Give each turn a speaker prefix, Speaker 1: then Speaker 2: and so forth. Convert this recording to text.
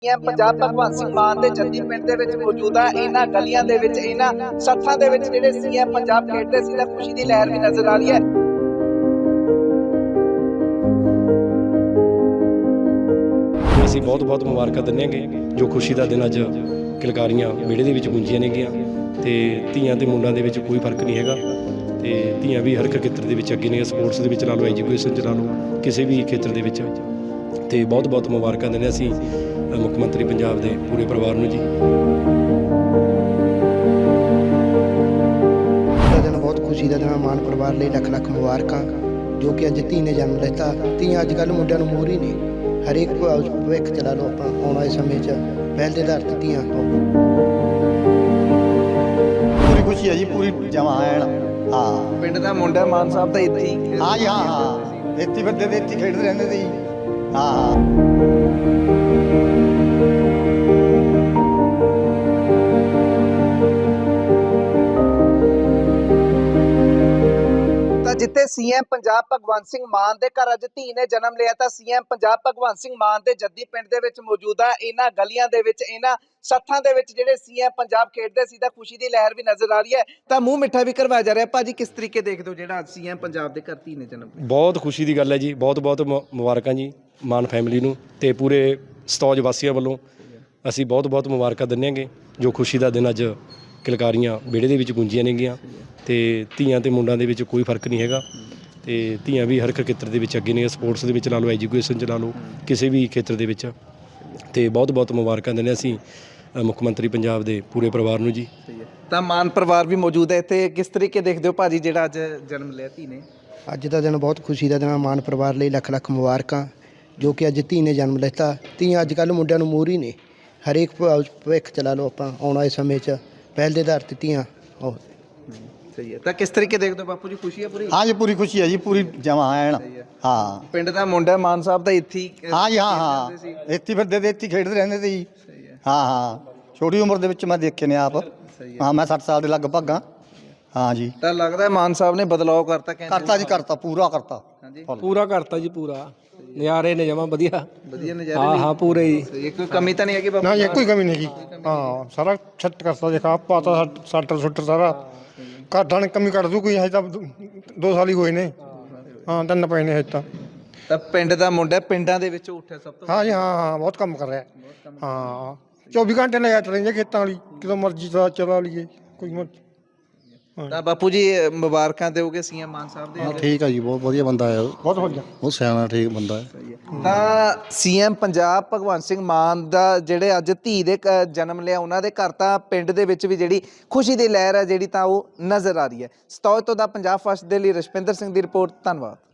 Speaker 1: ਪੰਜਾਬ ਭਗਵੰਤ ਸਿੰਘ ਮਾਨ ਦੇ ਜੱਦੀ ਪਿੰਡ ਦੇ ਵਿੱਚ ਮੌਜੂਦ ਆ। ਇਹਨਾਂ ਗਲੀਆਂ ਦੇ ਵਿੱਚ, ਇਹਨਾਂ ਸੱਥਾਂ ਦੇ ਵਿੱਚ ਜਿਹੜੇ ਸੀਐਮ ਪੰਜਾਬ ਖੇਡਦੇ ਸੀ ਤਾਂ ਖੁਸ਼ੀ ਦੀ ਲਹਿਰ ਵੀ ਨਜ਼ਰ ਆ ਰਹੀ ਹੈ।
Speaker 2: ਅਸੀਂ ਬਹੁਤ ਮੁਬਾਰਕਾਂ ਦਿੰਦੇ ਹਾਂਗੇ ਜੋ ਖੁਸ਼ੀ ਦਾ ਦਿਨ ਅੱਜ ਕਿਲਕਾਰੀਆਂ ਵਿਹੜੇ ਦੇ ਵਿੱਚ ਗੁੰਜੀਆਂ ਨੇਗੀਆਂ ਤੇ ਧੀਆਂ ਤੇ ਮੁੰਡਿਆਂ ਦੇ ਵਿੱਚ ਕੋਈ ਫਰਕ ਨਹੀਂ ਹੈਗਾ ਤੇ ਧੀਆਂ ਵੀ ਹਰ ਇੱਕ ਖੇਤਰ ਦੇ ਵਿੱਚ ਅੱਗੇ ਨੇ। ਸਪੋਰਟਸ ਦੇ ਵਿੱਚ ਲਾ ਲਓ, ਐਜੂਕੇਸ਼ਨ 'ਚ ਲਾ ਲਓ, ਕਿਸੇ ਵੀ ਖੇਤਰ ਦੇ ਵਿੱਚ ਤੇ ਬਹੁਤ ਮੁਬਾਰਕਾਂ ਦਿੰਦੇ ਅਸੀਂ ਮੁੱਖ ਮੰਤਰੀ ਪੰਜਾਬ ਦੇ ਪੂਰੇ ਪਰਿਵਾਰ ਨੂੰ ਜੀ।
Speaker 3: ਦਿਨ ਬਹੁਤ ਖੁਸ਼ੀ ਦਾ ਦਿਨ, ਮਾਨ ਪਰਿਵਾਰ ਲਈ ਲੱਖ ਮੁਬਾਰਕਾਂ ਜੋ ਕਿ ਅੱਜ ਧੀ ਨੇ ਜਨਮ ਲਿੱਤਾ। ਧੀਆਂ ਅੱਜ ਕੱਲ੍ਹ ਮੁੰਡਿਆਂ ਨੂੰ ਮੋਹਰ ਹੀ ਨੇ, ਹਰੇਕ ਭਵਿੱਖ ਚਲਾ ਲਓ ਆਪਾਂ ਆਉਣ ਵਾਲੇ ਸਮੇਂ 'ਚ ਪਹਿਲ ਦੇ ਆਧਾਰ 'ਤੇ ਧੀਆਂ
Speaker 4: ਪੂਰੀ ਖੁਸ਼ੀ ਹੈ ਜੀ, ਪੂਰੀ ਜਮਾ ਐਨ। ਹਾਂ,
Speaker 1: ਪਿੰਡ ਦਾ ਮੁੰਡਾ ਮਾਨ ਸਾਹਿਬ ਤਾਂ ਇੱਥੇ ਹੀ
Speaker 4: ਹਾਂ ਜੀ, ਹਾਂ ਇੱਥੇ ਬੰਦੇ ਦੇ ਇੱਥੇ ਖੇਡਦੇ ਰਹਿੰਦੇ ਸੀ। ਹਾਂ
Speaker 1: ਜਿੱਥੇ ਸੀਐਮ ਪੰਜਾਬ ਭਗਵੰਤ ਸਿੰਘ ਮਾਨ ਦੇ ਘਰ ਅੱਜ ਧੀ ਨੇ ਜਨਮ ਲਿਆ ਤਾਂ ਸੀਐਮ ਪੰਜਾਬ ਭਗਵੰਤ ਸਿੰਘ ਮਾਨ ਦੇ ਜੱਦੀ ਪਿੰਡ ਦੇ ਵਿੱਚ ਮੌਜੂਦ ਆ। ਇਹਨਾਂ ਗਲੀਆਂ ਦੇ ਵਿੱਚ, ਇਹਨਾਂ ਸੱਥਾਂ ਦੇ ਵਿੱਚ ਜਿਹੜੇ ਸੀਐਮ ਪੰਜਾਬ ਖੇਡਦੇ ਸੀ ਤਾਂ ਖੁਸ਼ੀ ਦੀ ਲਹਿਰ ਵੀ ਨਜ਼ਰ ਆ ਰਹੀ ਹੈ ਤਾਂ ਮੂੰਹ ਮਿੱਠਾ ਵੀ ਕਰਵਾਇਆ ਜਾ ਰਿਹਾ। ਭਾਜੀ ਕਿਸ ਤਰੀਕੇ ਦੇਖਦੇ ਹੋ ਜਿਹੜਾ ਸੀਐਮ ਪੰਜਾਬ ਦੇ ਘਰ ਧੀ ਨੇ ਜਨਮ ਲਿਆ?
Speaker 2: ਬਹੁਤ ਖੁਸ਼ੀ ਦੀ ਗੱਲ ਹੈ ਜੀ, ਬਹੁਤ ਮੁਬਾਰਕਾਂ ਜੀ ਮਾਨ ਫੈਮਿਲੀ ਨੂੰ ਤੇ ਪੂਰੇ ਸਤੌਜ ਵਾਸੀਆਂ ਵੱਲੋਂ ਅਸੀਂ ਬਹੁਤ ਮੁਬਾਰਕਾਂ ਦਿੰਦੇ ਹਾਂਗੇ ਜੋ ਖੁਸ਼ੀ ਦਾ ਦਿਨ ਅੱਜ ਕਿਲਕਾਰੀਆਂ ਵਿਹੜੇ ਦੇ ਵਿੱਚ ਗੁੰਜੀਆਂ ਨੇਗੀਆਂ ਤੇ ਧੀਆਂ ਤੇ ਮੁੰਡਿਆਂ ਦੇ ਵਿੱਚ ਕੋਈ ਫਰਕ ਨਹੀਂ ਹੈਗਾ ਤੇ ਧੀਆਂ ਵੀ ਹਰ ਇੱਕ ਖੇਤਰ ਦੇ ਵਿੱਚ ਅੱਗੇ ਨੇ। ਸਪੋਰਟਸ ਦੇ ਵਿੱਚ ਲਾ ਲਓ, ਐਜੂਕੇਸ਼ਨ 'ਚ ਲਾ ਲਓ, ਕਿਸੇ ਵੀ ਖੇਤਰ ਦੇ ਵਿੱਚ ਤੇ ਬਹੁਤ ਮੁਬਾਰਕਾਂ ਦਿੰਦੇ ਅਸੀਂ ਮੁੱਖ ਮੰਤਰੀ ਪੰਜਾਬ ਦੇ ਪੂਰੇ ਪਰਿਵਾਰ ਨੂੰ ਜੀ।
Speaker 1: ਤਾਂ ਮਾਨ ਪਰਿਵਾਰ ਵੀ ਮੌਜੂਦ ਹੈ ਇੱਥੇ, ਕਿਸ ਤਰੀਕੇ ਦੇਖਦੇ ਹੋ ਭਾਜੀ ਜਿਹੜਾ ਅੱਜ ਜਨਮ ਲਿਆ ਧੀ ਨੇ?
Speaker 3: ਅੱਜ ਦਾ ਦਿਨ ਬਹੁਤ ਖੁਸ਼ੀ ਦਾ ਦਿਨ, ਮਾਨ ਪਰਿਵਾਰ ਲਈ ਲੱਖ ਮੁਬਾਰਕਾਂ ਜੋ ਕਿ ਅੱਜ ਧੀ ਨੇ ਜਨਮ ਲਿੱਤਾ। ਧੀਆਂ ਅੱਜ ਕੱਲ੍ਹ ਮੁੰਡਿਆਂ ਨੂੰ ਮੋਹਰ ਹੀ ਨੇ, ਹਰੇਕ ਭਵਿੱਖ ਚਲਾ ਲਓ ਆਪਾਂ ਆਉਣ ਵਾਲੇ ਸਮੇਂ 'ਚ ਪਹਿਲ ਦੇ ਆਧਾਰ 'ਤੇ ਧੀਆਂ
Speaker 1: ਸਹੀ ਹੈ। ਤਾਂ ਕਿਸ ਤਰੀਕੇ ਦੇਖਦੇ ਹੋ ਬਾਪੂ ਜੀ, ਖੁਸ਼ੀ ਹੈ ਪੂਰੀ?
Speaker 4: ਹਾਂ ਜੀ, ਪੂਰੀ ਖੁਸ਼ੀ ਹੈ ਜੀ, ਪੂਰੀ ਜਮਾ ਐਨ। ਹਾਂ,
Speaker 1: ਪਿੰਡ ਦਾ ਮੁੰਡਾ ਮਾਨ ਸਾਹਿਬ ਤਾਂ ਇੱਥੇ ਹੀ
Speaker 4: ਹਾਂ ਜੀ, ਹਾਂ ਇੱਥੇ ਬੰਦੇ ਦੇ ਇੱਥੇ ਖੇਡਦੇ ਰਹਿੰਦੇ ਸੀ। ਹਾਂ ਛੋਟੀ ਉਮਰ ਦੇ ਵਿੱਚ ਮੈਂ ਦੇਖੇ ਨੇ ਆਪ। ਹਾਂ, ਮੈਂ 60 ਸਾਲ ਦੇ ਲਗਭਗ ਹਾਂ। ਹਾਂ ਜੀ,
Speaker 1: ਤਾਂ ਲੱਗਦਾ ਮਾਨ ਸਾਹਿਬ ਨੇ ਬਦਲਾਅ ਕਰਤਾ
Speaker 4: ਜੀ, ਕਰਤਾ, ਪੂਰਾ ਕਰਤਾ।
Speaker 5: ਪੂਰਾ ਕਰਤਾ ਜੀ, ਪੂਰਾ ਨਜ਼ਾਰੇ ਨੇ ਜਮਾ ਵਧੀਆ
Speaker 1: ਨਜ਼ਾਰੇ।
Speaker 5: ਹਾਂ ਪੂਰੇ ਜੀ,
Speaker 1: ਕੋਈ ਕਮੀ ਤਾਂ ਨਹੀਂ ਹੈਗੀ ਬਾਪੂ?
Speaker 6: ਨਾ ਜੀ, ਕੋਈ ਕਮੀ ਨਹੀਂ ਹੈਗੀ। ਹਾਂ, ਸਾਰਾ ਛੱਟ ਕਰਤਾ, ਦੇਖਾ ਪਾਤਾ ਸੱਟਰ ਸਾਰਾ ਘਾਟਾਂ ਨੇ ਕਮੀ ਕੱਢ ਦੂ ਕੋਈ। ਹਜੇ ਤਾਂ 2 ਸਾਲ ਹੀ ਹੋਏ ਨੇ। ਹਾਂ, 3 ਪਏ ਨੇ ਹਜੇ
Speaker 1: ਤਾਂ ਪਿੰਡ ਦਾ ਮੁੰਡਾ ਪਿੰਡਾਂ ਦੇ ਵਿੱਚ ਉੱਠਿਆ ਸਭ ਤੋਂ।
Speaker 6: ਹਾਂ ਜੀ, ਹਾਂ ਬਹੁਤ ਕੰਮ ਕਰ ਰਿਹਾ। ਹਾਂ, 24 ਘੰਟੇ ਲਾਈਟ ਰਹਿੰਦੀ ਖੇਤਾਂ ਵਾਲੀ, ਜਦੋਂ ਮਰਜ਼ੀ ਦਾ ਚਲਾ ਲਈਏ ਕੋਈ ਮਰਜ਼ੀ।
Speaker 1: ਤਾਂ ਬਾਪੂ ਜੀ ਮੁਬਾਰਕਾਂ ਦਿਓਗੇ ਸੀਐਮ ਮਾਨ ਸਾਹਿਬ ਦੇ?
Speaker 4: ਠੀਕ ਹੈ ਜੀ, ਬਹੁਤ ਵਧੀਆ ਬੰਦਾ ਹੈ,
Speaker 6: ਬਹੁਤ ਵਧੀਆ,
Speaker 4: ਬਹੁਤ ਸਿਆਣਾ ਠੀਕ ਬੰਦਾ ਹੈ।
Speaker 1: ਤਾਂ ਸੀਐਮ ਪੰਜਾਬ ਭਗਵੰਤ ਸਿੰਘ ਮਾਨ ਦਾ ਜਿਹੜੇ ਅੱਜ ਧੀ ਦੇ ਜਨਮ ਲਿਆ ਉਹਨਾਂ ਦੇ ਘਰ ਤਾਂ ਪਿੰਡ ਦੇ ਵਿੱਚ ਵੀ ਜਿਹੜੀ ਖੁਸ਼ੀ ਦੀ ਲਹਿਰ ਹੈ ਜਿਹੜੀ ਤਾਂ ਉਹ ਨਜ਼ਰ ਆ ਰਹੀ ਹੈ। ਸਤੌਜ ਤੋਂ ਦਾ ਪੰਜਾਬ ਫਸਟ ਦੇ ਲਈ ਰਸ਼ਪਿੰਦਰ ਸਿੰਘ ਦੀ ਰਿਪੋਰਟ। ਧੰਨਵਾਦ।